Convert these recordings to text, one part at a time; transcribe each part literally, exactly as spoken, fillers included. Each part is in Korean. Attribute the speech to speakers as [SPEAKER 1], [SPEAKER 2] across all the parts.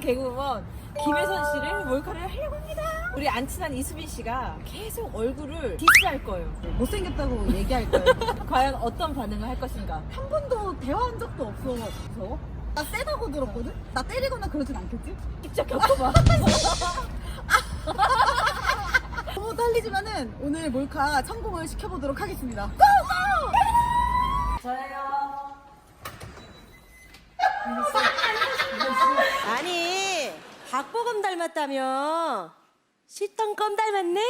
[SPEAKER 1] 개그우먼 김혜선 씨를 몰카를 하려고 합니다. 우리 안 친한 이수빈 씨가 계속 얼굴을 디스할 거예요.
[SPEAKER 2] 못생겼다고 얘기할 거예요.
[SPEAKER 1] 과연 어떤 반응을 할 것인가?
[SPEAKER 2] 한 번도 대화한 적도 없어. 무서워? 나 세다고 들었거든? 나 때리거나 그러진 않겠지?
[SPEAKER 1] 직접 겪어봐.
[SPEAKER 2] 너무 떨리지만은 오늘 몰카 성공을 시켜보도록 하겠습니다.
[SPEAKER 1] 저예요.
[SPEAKER 3] 아니 박보검 닮았다며 씻던 껌 닮았네?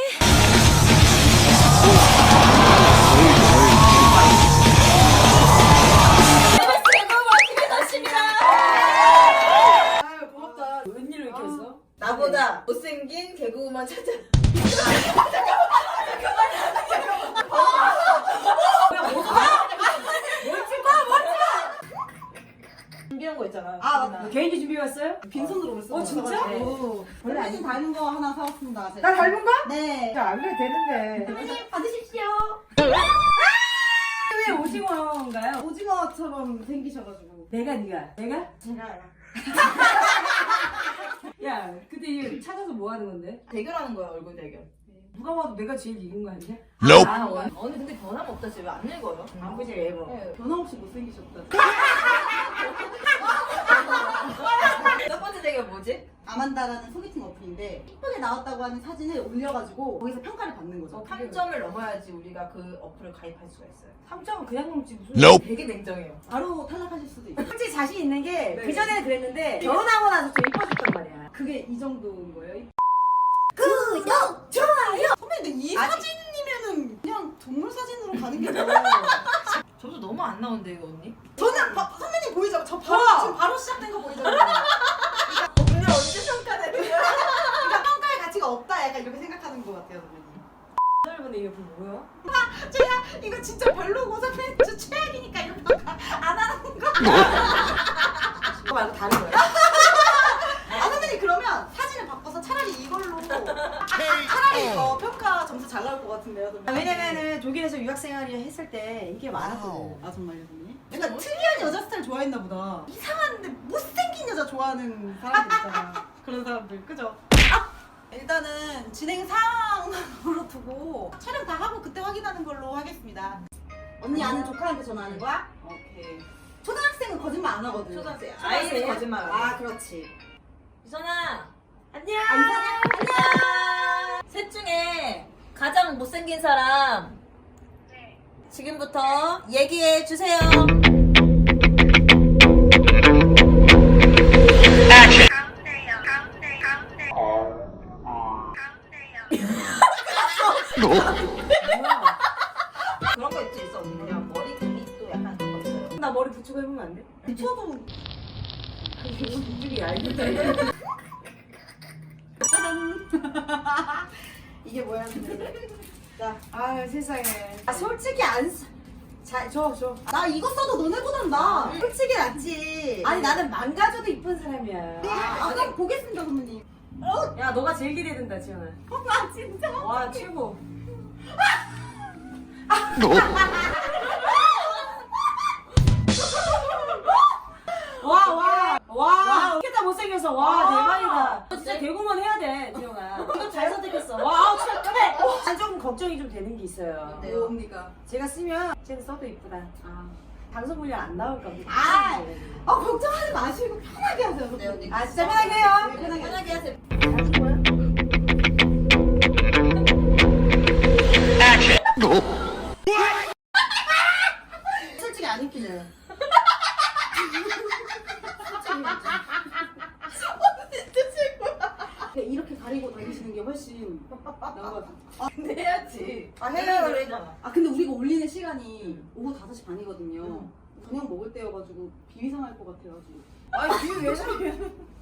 [SPEAKER 1] 아유 고맙다. 웬일로 이렇게 했어? 나보다 못생긴 개그우먼 찾아. 준비한 거 있잖아.
[SPEAKER 2] 아,
[SPEAKER 1] 나.
[SPEAKER 4] 개인기 준비해 왔어요?
[SPEAKER 2] 빈손으로 오셨어.
[SPEAKER 4] 어, 진짜?
[SPEAKER 2] 네.
[SPEAKER 4] 오.
[SPEAKER 2] 원래 아니 닮은 거 하나 사왔습니다. 제가.
[SPEAKER 4] 나 닮은 거?
[SPEAKER 2] 네.
[SPEAKER 4] 안 그래도 되는데.
[SPEAKER 2] 선생님 받으십시오.
[SPEAKER 4] 왜 오징어인가요?
[SPEAKER 2] 오징어처럼 생기셔가지고.
[SPEAKER 4] 내가 네가 내가?
[SPEAKER 2] 제가요.
[SPEAKER 4] 야 근데 이거 찾아서 뭐 하는 건데?
[SPEAKER 1] 대결하는 거야 얼굴 대결.
[SPEAKER 4] 누가 봐도 내가 제일 이긴 거 아니야?
[SPEAKER 5] Nope.
[SPEAKER 1] 아 언니, 언니 근데 변함없다 지금 안 늙어요?
[SPEAKER 4] 안 보지 예뻐.
[SPEAKER 1] 네.
[SPEAKER 2] 변함없이 못생기셨다.
[SPEAKER 1] 첫 번째 대결 뭐지?
[SPEAKER 2] 아만다라는 소개팅 어플인데 이쁘게 나왔다고 하는 사진을 올려가지고 거기서 평가를 받는 거죠.
[SPEAKER 1] 삼 점을 넘어야지 우리가 그 어플을 가입할 수가 있어요.
[SPEAKER 4] 삼 점은 그냥 넘지 무슨?
[SPEAKER 5] Nope.
[SPEAKER 1] 되게 냉정해요.
[SPEAKER 2] 바로 탈락하실 수도 있고.
[SPEAKER 4] 솔직히 자신 있는 게
[SPEAKER 1] 네.
[SPEAKER 4] 그전에는 그랬는데 결혼하고 나서 좀 이뻐졌단 말이야.
[SPEAKER 2] 그게 이 정도인 거예요?
[SPEAKER 3] 구독! 좋아요!
[SPEAKER 2] 선배님 근데 이
[SPEAKER 1] 아니.
[SPEAKER 2] 사진이면은 그냥 동물 사진으로 가는 게 더.
[SPEAKER 1] 저도 너무 안 나온대 이거 언니.
[SPEAKER 2] 저는 바, 선배님 보이죠? 저 바로
[SPEAKER 4] 와.
[SPEAKER 2] 지금 바로 시작된 거 보이잖아요.
[SPEAKER 1] 오늘 언제 평가되는 거야?
[SPEAKER 2] 그러니까 평가의 가치가 없다 약간 이렇게 생각하는 것 같아요 선배님.
[SPEAKER 4] 짧은데 이게 뭐야?
[SPEAKER 2] 제가 이거 진짜 별로고 선배님 저 최악이니까 이런 평가 안 하는 거.
[SPEAKER 4] 그거 말고 다른 거야?
[SPEAKER 2] 아 선배님 그러면 사진을 바꿔서 차라리 이걸로 차라리 어, 평가 점수 잘 나올 것 같은데요 선배님.
[SPEAKER 4] 아, 왜냐면은 독일에서 유학생활을 했을 때 인기가 많았거든.
[SPEAKER 2] 아 정말요 선배님? 약간 특이한 여자 스타일 좋아했나 보다. 이상한데 못생긴 여자 좋아하는 사람들 있잖아. 그런 사람들 그죠? 일단은 진행 상황으로 두고 촬영 다 하고 그때 확인하는 걸로 하겠습니다. 언니 아는 조카한테 전화하는 거야? 오케이. 초등학생은 거짓말 안 하거든.
[SPEAKER 1] 초등학생.
[SPEAKER 2] 초등학생이야?
[SPEAKER 1] 아이는 거짓말 안 해.
[SPEAKER 2] 아 그렇지.
[SPEAKER 1] 유선아 안녕.
[SPEAKER 2] 아, 이상해?
[SPEAKER 1] 안녕. 셋 중에 가장 못생긴 사람 지금부터 얘기해 주세요.
[SPEAKER 6] 가운데요. 가운데, 가운데. 가운데요.
[SPEAKER 1] 그런 거 있지 있어 언니. 그냥 머리 길이도 약간 그런 거 있어요.
[SPEAKER 4] 나 머리 붙이고 해보면 안 돼?
[SPEAKER 2] 붙여도
[SPEAKER 4] 이쪽이 얇은데.
[SPEAKER 2] 이게 뭐야 근데. 자,
[SPEAKER 4] 아 세상에. 아 솔직히 안 써. 자, 줘, 줘.
[SPEAKER 2] 나 이거 써도 너네보단 나.
[SPEAKER 4] 솔직히 낫지. 아니 나는 망가져도 이쁜 사람이야.
[SPEAKER 2] 아, 그럼 보겠습니다 선배님.
[SPEAKER 4] 야 너가 제일 기대된다 지현아.
[SPEAKER 2] 아 진짜.
[SPEAKER 4] 와 최고. 와 와. 와. 이렇게 다 못생겨서 와 대박이다. 너 진짜 개그우먼 해야 돼 지현아. 이거 잘 선택했어. 와 아우 진짜 그래. 난 조금 걱정이 좀 되는 게 있어요.
[SPEAKER 2] 뭡니까?
[SPEAKER 4] 제가 쓰면 쟤는 써도 이쁘다.
[SPEAKER 2] 아.
[SPEAKER 4] 방송 분량 안 나올까 봐.
[SPEAKER 2] 아, 아 걱정하지 마시고 편하게 하세요.
[SPEAKER 1] 네, 언니.
[SPEAKER 4] 아 진짜 편하게 해요.
[SPEAKER 2] 네, 편하게.
[SPEAKER 1] 편하게 하세요.
[SPEAKER 2] 솔직히 안 웃기네요. 이렇게 가리고 다니시는 게 훨씬 나은 것 같아요.
[SPEAKER 1] 근데 해야지.
[SPEAKER 2] 아,
[SPEAKER 1] 해야
[SPEAKER 2] 해요.
[SPEAKER 1] 그러잖아.
[SPEAKER 2] 아 근데 우리가 올리는 시간이 오후 다섯 시 반이거든요. 저녁 먹을 때여가지고 비위상할 것 같아가지고.
[SPEAKER 1] 아니 뒤에 왜 저래?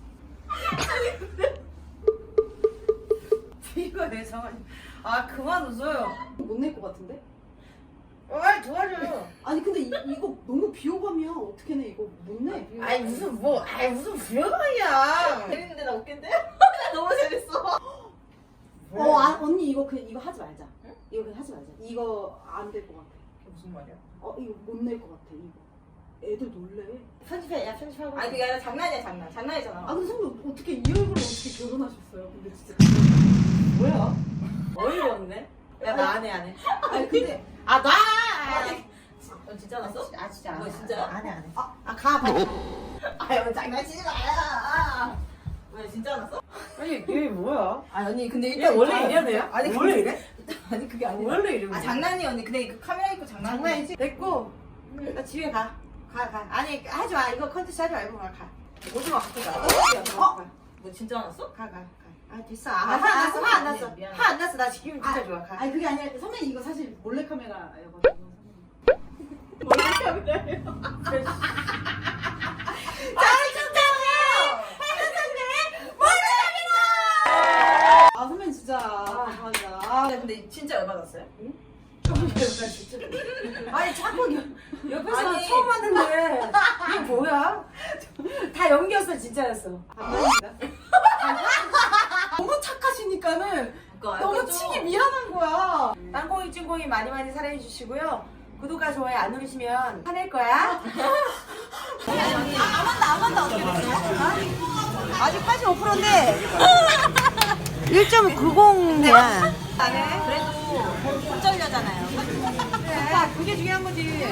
[SPEAKER 4] 이거 내 상황이. 아 그만 웃어요.
[SPEAKER 2] 못 낼 것 같은데?
[SPEAKER 1] 아 도와줘요.
[SPEAKER 2] 아니 근데 이, 이거 너무 비호감이야. 어떻게 내 이거 못 내. 비호감.
[SPEAKER 1] 아니 무슨 뭐 아니 무슨 불효감이야. 재밌는데 나 웃긴데? 나 너무 재밌어.
[SPEAKER 2] 어 아, 언니 이거 그 이거 하지 말자. 이거 그냥 하지 말자. 이거 안 될 것 같아.
[SPEAKER 1] 무슨 말이야?
[SPEAKER 2] 어 이거 못 낼 것 같아 이거. 애들 놀래.
[SPEAKER 4] 편집해, 야 편집하고.
[SPEAKER 1] 아니 그게 아니라 장난이야 장난. 장난이잖아.
[SPEAKER 2] 아 근데 선배 어떻게 이 얼굴로 어떻게 결혼하셨어요? 근데 진짜 뭐야?
[SPEAKER 1] 어이가 없네. 야 나 안 해 안 해.
[SPEAKER 2] 아니 근데
[SPEAKER 4] 아 나.
[SPEAKER 1] 넌 진짜 났어?
[SPEAKER 4] 아 진짜.
[SPEAKER 1] 뭐 진짜야?
[SPEAKER 4] 안해 안해.
[SPEAKER 2] 아 가. 빨리.
[SPEAKER 1] 아유 장난치지 마요. 왜 진짜 났어?
[SPEAKER 4] 아니 얘 뭐야?
[SPEAKER 1] 아 언니 근데
[SPEAKER 4] 얘
[SPEAKER 1] 일단
[SPEAKER 4] 원래
[SPEAKER 1] 아,
[SPEAKER 4] 이런 애야?
[SPEAKER 1] 아니
[SPEAKER 4] 원래
[SPEAKER 1] 근데-
[SPEAKER 4] 이래?
[SPEAKER 1] 아니 그게 아니라.
[SPEAKER 4] 원래 이래?
[SPEAKER 1] 아 장난이 언니. 근데 그 카메라 있고 장난이.
[SPEAKER 4] 장난이지? 됐고. 나 집에 가. 가 가. 아니 하지 마. 이거 컨텐츠 하지 말고 가. 가.
[SPEAKER 1] 오지 마 갖고 가.
[SPEAKER 4] 어?
[SPEAKER 1] 뭐 진짜 났어?
[SPEAKER 4] 가 가. 가. 아 됐어. 아, 화 안 났어. 화 안 났어.
[SPEAKER 1] 미안해.
[SPEAKER 4] 화 안 났어. 나 지금 진짜 좋아. 가.
[SPEAKER 2] 아니 그게 아니라 선배님 이거 사실 몰래 카메라여가지고. 아 선배님 진짜 감사합니다.
[SPEAKER 1] 아 근데 진짜 열받았어요?
[SPEAKER 4] 아니 자꾸 여- 옆에서
[SPEAKER 1] 아니.
[SPEAKER 4] 처음 봤는데 이게 뭐야? 다 연기였어 진짜였어.
[SPEAKER 2] 너무 착하시니까는
[SPEAKER 1] 그거
[SPEAKER 2] 너무
[SPEAKER 1] 알죠?
[SPEAKER 2] 치기 미안한 거야.
[SPEAKER 4] 땅콩이 찐콩이 많이 많이 사랑해 주시고요. 구독과 좋아요 안 누르시면 화낼 거야.
[SPEAKER 1] 아만다 아만다 어떻게 됐어요?
[SPEAKER 4] 아직 팔십오 퍼센트인데 일 점 구공이야.
[SPEAKER 1] 그래도 손절녀잖아요.
[SPEAKER 4] 그게 중요한 거지.